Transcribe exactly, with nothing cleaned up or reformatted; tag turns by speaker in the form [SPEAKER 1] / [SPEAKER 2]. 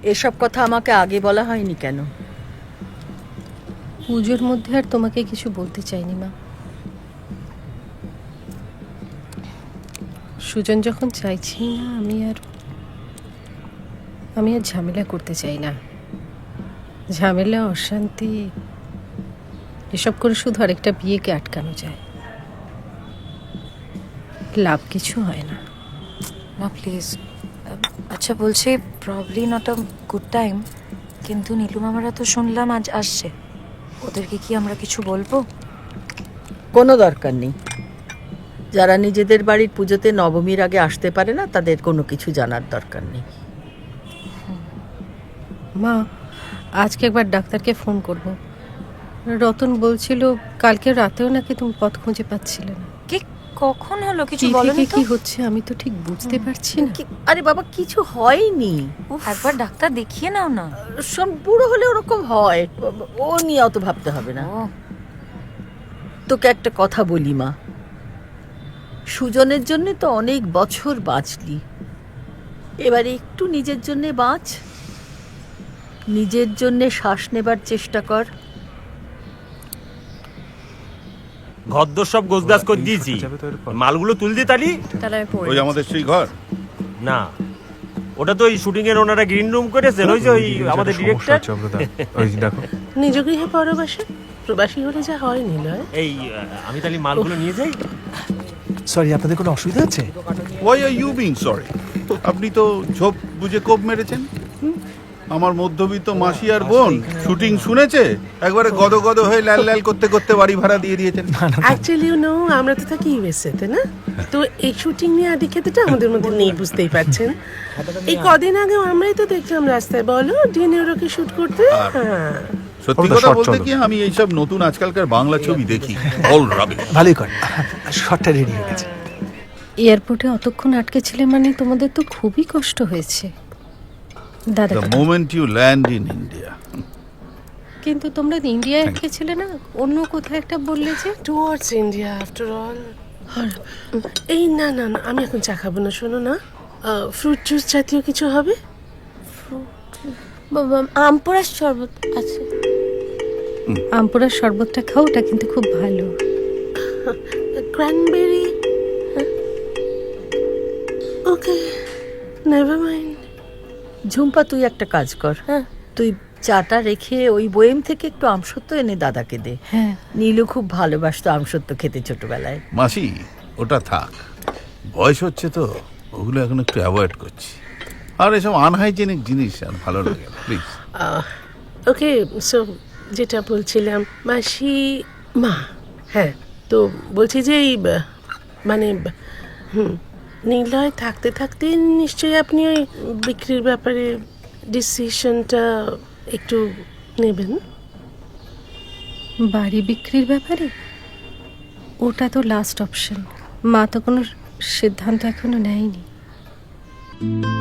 [SPEAKER 1] এসব কথা আমাকে আগে বলা হয়নি কেন?
[SPEAKER 2] পুজোর মধ্যে আর তোমাকে কিছু বলতে চাইনি মা। সুজন যখন চাইছি না, আমি আর আমি আর ঝামেলা করতে চাই না। ঝামেলা, অশান্তি এসব করে শুধু আরেকটা বিয়েকে আটকানো যায়, লাভ কিছু হয় না।
[SPEAKER 3] না প্লিজ। আচ্ছা বলছি, probably not a good time, কিন্তু নীলু মামারা তো শুনলাম আজ আসছে, ওদেরকে কি আমরা কিছু বলবো?
[SPEAKER 1] কোনো দরকার নেই। যারা নিজেদের বাড়ির পুজোতে নবমীর আগে আসতে পারে না, তাদের কোনো কিছু জানার দরকার নেই।
[SPEAKER 2] মা, আজকে একবার ডাক্তারকে ফোন করব। রতন বলছিল কালকে রাতেও নাকি তুমি পথ খুঁজে পাচ্ছিলে না।
[SPEAKER 3] কি কখন হলো? কিছু
[SPEAKER 2] কি
[SPEAKER 3] বলোনি
[SPEAKER 2] থেকে
[SPEAKER 3] তো?
[SPEAKER 2] কি হচ্ছে আমি তো ঠিক বুঝতে পারছি না।
[SPEAKER 1] কি- আরে বাবা, কিছু হয়নি।
[SPEAKER 3] একবার ডাক্তার দেখিয়ে নাও না।
[SPEAKER 1] সব বুড়ো হলে ওরকম হয়, ও নিয়ে অত ভাবতে হবে না।
[SPEAKER 3] ও
[SPEAKER 1] তোকে একটা কথা বলি মা, সুজনের জন্য তো অনেক বছর বাঁচলি, এবারে একটু নিজের জন্য বাঁচ, নিজের জন্য শ্বাস নেবার চেষ্টা কর।
[SPEAKER 4] ঘরদোর সব গোছগাছ করে দিয়েছি, মালগুলো তুল দি তালি।
[SPEAKER 5] ওই আমাদের সেই ঘর
[SPEAKER 4] না, ওটা তো ওই শুটিং এর ওনারা গ্রিন রুম করেছেন, ওই যে ওই আমাদের ডিরেক্টর।
[SPEAKER 6] ওই দেখো,
[SPEAKER 7] নিজ গৃহে পরবাসী, প্রবাসী হলে যা হয় নিলয়।
[SPEAKER 4] এই আমি তাহলে মালগুলো নিয়ে যাই।
[SPEAKER 6] সরি, আপনাদের কোনো অসুবিধা আছে?
[SPEAKER 5] Why are you being sorry? আপনি তো ঝোপ বুঝে কোপ মেরেছেন। আমার মধ্যবিত্ত মাসি আর বোন শুটিং শুনেছে, একবারে গদ গদ হয়ে লাল লাল করতে করতে বাড়ি ভাড়া দিয়ে দিয়েছেন।
[SPEAKER 7] অ্যাকচুয়ালি ইউ নো, আমরা তো থাকি ইউএসএ তে না, তো এই শুটিং নিয়ে আদি খেতেটা আমাদের মধ্যে নেই, বুঝতেই পারছেন। এই কদিন আগে আমরাই তো দেখলাম রাস্তায়, বলো ডিনেরোকে শুট করতে। হ্যাঁ,
[SPEAKER 5] সত্যি কথা বলতে কি, আমি এইসব নতুন আজকালকার বাংলা ছবি দেখি, অল রাবিশ।
[SPEAKER 6] ভালোই করেন, শটটা রেডি হয়ে গেছে।
[SPEAKER 2] এয়ারপোর্টে অতক্ষণ আটকে ছিলে মানে তোমাদের তো খুবই কষ্ট হয়েছে দাদা।
[SPEAKER 5] The moment you land in India.
[SPEAKER 2] কিন্তু তোমরা ইন্ডিয়ায় আটকে ছিলে না, অন্য কোথাও একটা বললে যে।
[SPEAKER 7] Towards India after all. এই না না না, আমি এখন চা খাবো না, শোনো না, ফ্রুট জুস জাতীয় কিছু হবে।
[SPEAKER 2] আমপোড়ার শরবত আছে, আমপোড়ার শরবতটা খাও, ওটা কিন্তু খুব ভালো।
[SPEAKER 7] Cranberry, okay, never mind.
[SPEAKER 1] Jhumpa, তুই একটা কাজ কর, তুই চাটা রেখে ওই বয়েম থেকে একটু আমসত্ব এনে দাদাকে দে।
[SPEAKER 2] হ্যাঁ,
[SPEAKER 1] নীলু খুব ভালোবাসতো আমসত্ব খেতে ছোটবেলায়।
[SPEAKER 5] মাসি, ওটা থাক, বয়স হচ্ছে তো ওগুলো এখন একটু অ্যাভয়েড করছি, আর এসব আনহাইজেনিক জিনিস আর ভালো লাগে না, প্লিজ।
[SPEAKER 7] ওকে, সো যেটা বলছিলাম, মাসি মা, হ্যাঁ তো বলছি যে এই ব- মানে ব- হুম নিলয় থাকতে থাকতে নিশ্চয়ই আপনি ওই বিক্রির ব্যাপারে ডিসিশনটা একটু নেবেন।
[SPEAKER 2] বাড়ি বিক্রির ব্যাপারে ওটা তো লাস্ট অপশন, মা তো কোনো সিদ্ধান্ত এখনো নেয়নি।